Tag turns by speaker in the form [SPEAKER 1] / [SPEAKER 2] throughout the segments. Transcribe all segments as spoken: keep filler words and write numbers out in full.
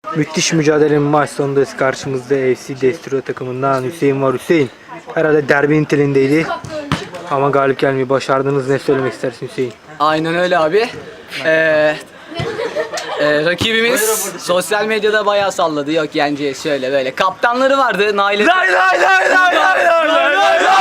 [SPEAKER 1] Müthiş mücadelenin maç sonundayız. Karşımızda F C Destro takımından Hüseyin var. Hüseyin herhalde derbi niteliğindeydi. Ama galip gelmeyi başardınız. Ne söylemek istersin Hüseyin?
[SPEAKER 2] Aynen öyle abi. Ee, e, rakibimiz sosyal medyada bayağı salladı. Yok yeneceğiz şöyle böyle. Kaptanları vardı. Nail Efe.
[SPEAKER 1] Lay lay lay lay lay lay lay lay lay.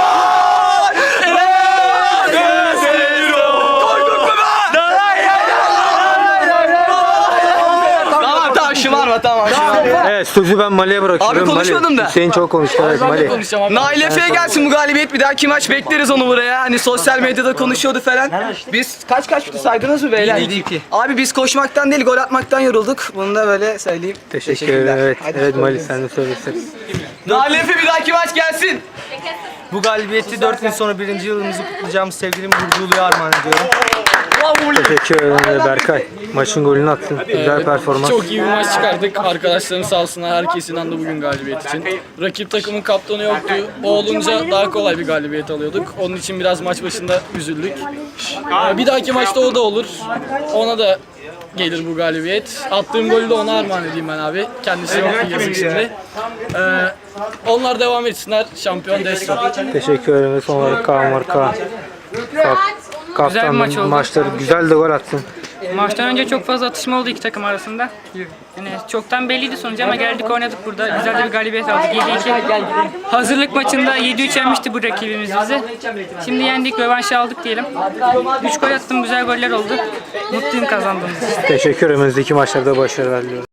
[SPEAKER 2] Tamam tamam şımarma tamam şımarma.
[SPEAKER 1] Evet, sözü ben Mali'ye bırakıyorum.
[SPEAKER 2] Abi konuşmadım
[SPEAKER 1] Mali.
[SPEAKER 2] da.
[SPEAKER 1] Hüseyin çok konuştu. Evet Mali.
[SPEAKER 2] Nail Efe'ye gelsin bu galibiyet. Bir dahaki maç bekleriz onu buraya. Hani sosyal medyada konuşuyordu falan. Biz kaç kaç bitti saydınız mı beyler?
[SPEAKER 1] yedi iki.
[SPEAKER 2] Abi biz koşmaktan değil gol atmaktan yorulduk. Bunu da böyle söyleyeyim.
[SPEAKER 1] Teşekkür ederim. Evet, evet Mali sen de söylesin.
[SPEAKER 2] Nail Efe bir dahaki maç gelsin.
[SPEAKER 3] Bu galibiyeti dört gün sonra birinci yılımızı kutlayacağımız sevgili Burcu Ulu'ya armağan ediyorum.
[SPEAKER 1] Teşekkür ederim Berkay. Maçın golünü attın. Güzel performans.
[SPEAKER 4] Çok iyi bir maç çıkardık. Arkadaşlarım sağ olsunlar. Herkes inandı bugün galibiyet için. Rakip takımın kaptanı yoktu. O olunca daha kolay bir galibiyet alıyorduk. Onun için biraz maç başında üzüldük. Ee, Bir dahaki maçta o da olur. Ona da gelir bu galibiyet. Attığım golü de ona armağan edeyim ben abi. Kendisi yok yazık şimdi. Ee, onlar devam etsinler. Şampiyon Destro.
[SPEAKER 1] Teşekkür ederim. Ve son olarak Kaan var. Kaan. Kap,
[SPEAKER 5] Güzel bir maç
[SPEAKER 1] kaptanın
[SPEAKER 5] oldu.
[SPEAKER 1] maçları güzel de gol attın.
[SPEAKER 5] Maçtan önce çok fazla atışma oldu iki takım arasında. Yani çoktan belliydi sonuç ama geldik oynadık burada. Güzel de bir galibiyet aldık. yedi iki. Hazırlık maçında yedi üç yenmişti bu rakibimiz bizi. Şimdi yendik, rövanşı aldık diyelim. üç gol attım, güzel goller oldu. Mutluyum kazandığımız için.
[SPEAKER 1] Teşekkür ederim. Önümüzdeki maçlarda başarılar diliyorum.